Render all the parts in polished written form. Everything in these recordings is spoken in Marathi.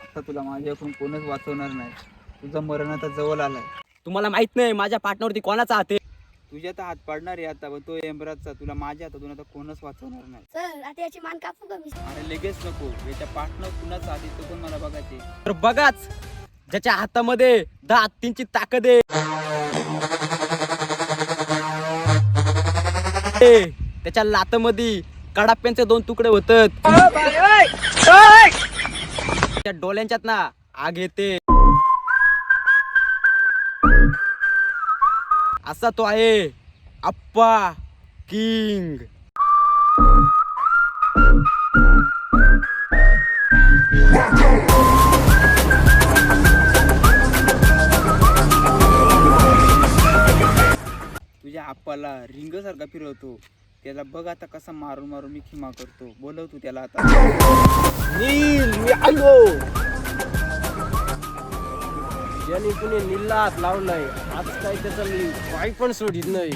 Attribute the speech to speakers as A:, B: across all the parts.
A: आता तुला माझ्याकडून कोणच वाचवणार नाही. तुझं मरण आता जवळ आलाय.
B: तुम्हाला माहित नाही माझ्या पार्टनरवरती कोणाचा हात आहे.
A: तुझ्या तर हात पाडणार आहे आता, पण तो यमराजचा. तुला माझ्या हातातून आता कोणच वाचवणार नाही.
C: सर आता याची मान कापू का मी?
A: अरे लगेच नको, याच्या पार्टनर कुणाचा हात आहे तो पण मला बघायचे.
B: तर बघाच, ज्याच्या हातामध्ये 10 हत्तींची ताकद आहे, त्याच्या लातामध्ये कडाप्यांचे 2 तुकडे होतात. त्या डोळ्यांच्यात ना आग येते. असा तो आहे अप्पा किंग.
A: तुझ्या आप्पाला रिंग सारखा फिरवतो. त्याला बघ आता कसा मारून मारून मी खिमा करतो. बोलव तू त्याला आता.
B: नील, मी आलो. ज्याने कुणी नीलला हात लावलाय, आज काय त्याचा मी पाय पण सोडित नाही.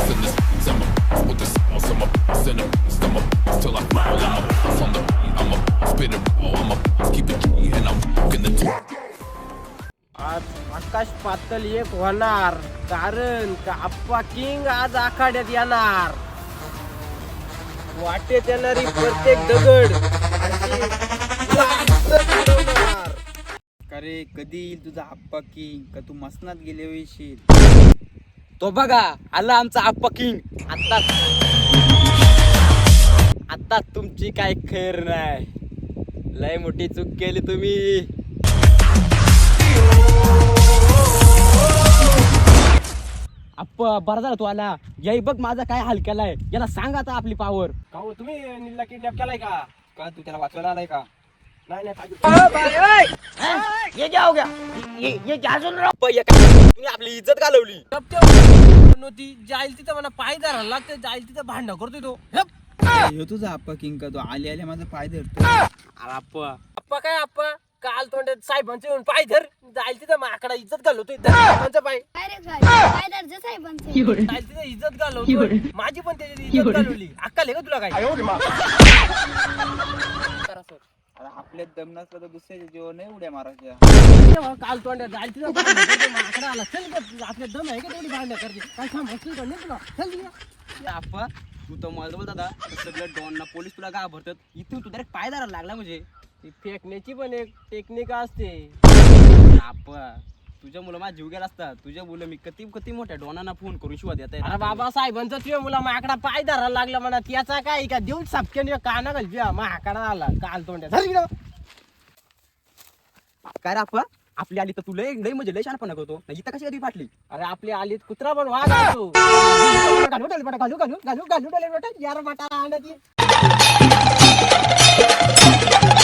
B: आज आकाश पातळ एक होणार, कारण का अप्पा किंग आज आखाड्यात येणार. वाटेत येणारी प्रत्येक दगड
A: अरे कधी येईल तुझा आप्पा किंग? का तू मसनात गेले येशील?
B: तो बघा आला आमचा अप्पा किंग. आता तुमची काय खैर नाही. लय मोठी चूक केली तुम्ही. अप्पा बरं झालं तू आला. याई बघ माझा काय हाल केलाय. याला सांग आता आपली पावर. का हो तुम्ही नीलला किडनॅप केलाय का?
A: का तू त्याला वाचवायला आलाय का?
B: नाही तुम्ही आपली इज्जत घालवली.
D: नव्हती जाईल तिथं मला पाय धरायला लागते. जाईल तिथं भांडण करतोय तो.
A: ह्यो तुझा आप्पा किंग का? तो आले आले माझा पाय धरतो.
B: अरे अप्पा
D: अप्पा काय अप्पा काल तोंडात साहेबांचे येऊन पाय धर. जाईल तिथं माकडा इज्जत घालवतोय. साहेबांचा पाय
C: काय रे काय दर्जा साहेबांचे?
D: जाईल तिथं इज्जत घालवतोय. माझी पण त्याच्यात इज्जत घालवली. अक्कल आहे का तुला काय?
A: अरे आपल्यात दम नसला तर दुसऱ्याच्या जीवन नाही उड्या मारायच्या.
D: तेव्हा काल तोंडात जाईल तिथं भांडण करतोय. माकडा आला. चल गं, आपल्या दम आहे का तेवढी भांडण करते? काय समजतोय का नाही तुला? चल गं.
B: अप्पा तू तर मला बोल दादा, सगळं डॉनना पोलीस तुला घाबरतात. इथून तू डायरेक्ट पाय धरायला लागला. म्हणजे
D: ती फेकण्याची पण एक टेक्निक असते.
B: अप्पा तुझ्या मुलं माझा जीव गेला असता. तुझ्या मुलं मी किती मोठ्या डॉनांना फोन करून शिवा देत
D: अरे बाबा साहेबांचा तुझ्या मुला माकडा पाय धरायला लागला म्हणा. त्याचा काय का देऊन सापक्याने काना घालच्या माकडा आला काल तोंड्या.
B: काय रे अप्पा, आपली आली तर तुला लय म्हणजे लय शहाणपणा करतो. इथं कशी कधी फाटली?
D: अरे आपली आलीत कुत्रा पण वाघ असतो. घालू यार मटाला आणत